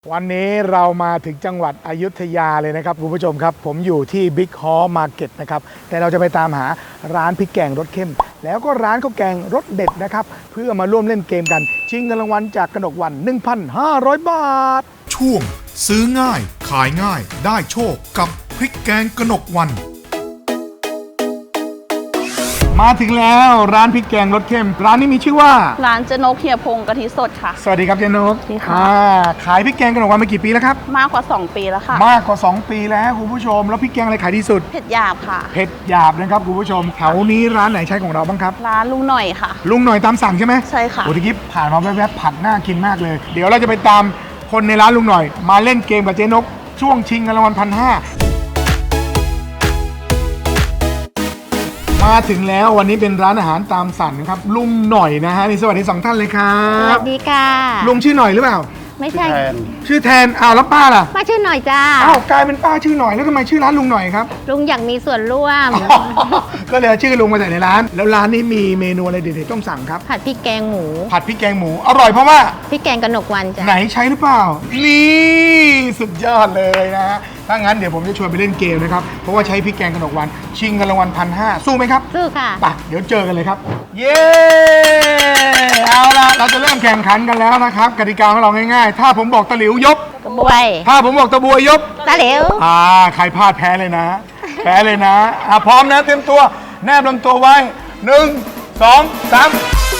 วันนี้เรามาถึงจังหวัดอยุธยาเลยนะครับคุณผู้ชมครับผมอยู่ที่บิ๊กฮอลล์มาร์เก็ตนะครับแต่เราจะไปตามหาร้านพริกแกงรสเข้มแล้วก็ร้านข้าวแกงรสเด็ดนะครับเพื่อมาร่วมเล่นเกมกันชิงเงินรางวัลจากกนกวรรณ 1,500 บาทช่วงซื้อง่ายขายง่ายได้โชคกับพริกแกงกนกวรรณมาถึงแล้วร้านพริกแกงรสเข้มร้านนี้มีชื่อว่าร้านเจนกเฮียพงกะทิสดค่ะสวัสดีครับเจนกสวัสดีค่ะขายพริกแกงกนกวรรณมากี่ปีแล้วครับมากกว่า2 ปีแล้วค่ะมากกว่า2 ปีแล้วคุณผู้ชมแล้วพริกแกงอะไรขายดีสุดเผ็ดหยาบค่ะเผ็ดหยาบนะครับคุณผู้ชมแถวนี้ร้านไหนใช้ของเราบ้างครับร้านลุงหน่อยค่ะลุงหน่อยตามสั่งใช่ไหมใช่ค่ะโอ้ทีกี้ผ่านมาแวบๆผัดน่ากินมากเลยเดี๋ยวเราจะไปตามคนในร้านลุงหน่อยมาเล่นเกมกับเจ๊นกช่วงชิงเงินรางวัล 1,500มาถึงแล้ววันนี้เป็นร้านอาหารตามสั่งนะครับลุงหน่อยนะฮะนี่สวัสดี2 ท่านเลยครับสวัสดีค่ะลุงชื่อหน่อยหรือเปล่าไม่ใช่ชื่อแทนอ้าวแล้วป้าล่ะป้าชื่อหน่อยจ้าอ้าวกลายเป็นป้าชื่อหน่อยแล้วทำไมชื่อร้านลุงหน่อยครับลุงอยากมีส่วนร่วมก็เลยเอาชื่อลุงมาใส่ในร้านแล้วร้านนี้มีเมนูอะไรเด็ดๆต้องสั่งครับผัดพริกแกงหมูผัดพริกแกงหมูอร่อยเพราะว่าพริกแกงกนกวรรณจ้ะไหนใช้หรือเปล่านี่สุดยอดเลยนะฮะถ้างั้นเดี๋ยวผมจะชวนไปเล่นเกมนะครับเพราะว่าใช้พริกแกงกนกวรรณชิงเงินรางวัล 1,500สู้ไหมครับสู้ค่ะไปเดี๋ยวเจอกันเลยครับเย้เอาล่ะเราจะเริ่มแข่งขันกันแล้วนะครับกติกาของเราง่ายๆถ้าผมบอกตะหลิวยกกระบวยถ้าผมบอกตะบวยยกตะหลิวใครพลาดแพ้เลยนะแพ้เลยนะพร้อมนะเตรียมตัวแนบลำตัวไว้1 2 3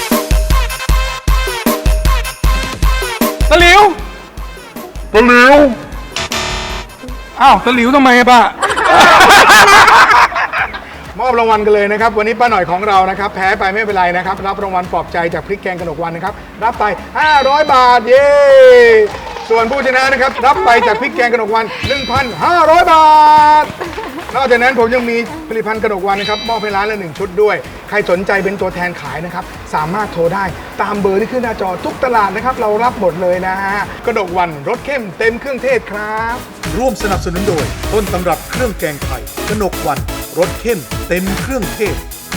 ตะหลิวตะหลิวอ้าวตะหลิวทำไมป้ามอบรางวัลกันเลยนะครับวันนี้ป้าหน่อยของเรานะครับแพ้ไปไม่เป็นไรนะครับรับรางวัลปลอบใจจากพริกแกงกนกวรรณนะครับรับไป500 บาทเย้ส่วนผู้ชนะนะครับรับไปจากพริกแกงกนกวรรณ 1,500 บาทนอกจากนั้นผมยังมีผลิตภัณฑ์กนกวรรณนะครับมอบให้ร้านละ1 ชุดด้วยใครสนใจเป็นตัวแทนขายนะครับสามารถโทรได้ตามเบอร์ที่ขึ้นหน้าจอทุกตลาดนะครับเรารับหมดเลยนะฮะกนกวรรณรสเข้มเต็มเครื่องเทศครับร่วมสนับสนุนโดยต้นตำรับเครื่องแกงไทยกนกวรรณรสเข้มเต็มเครื่องเทศ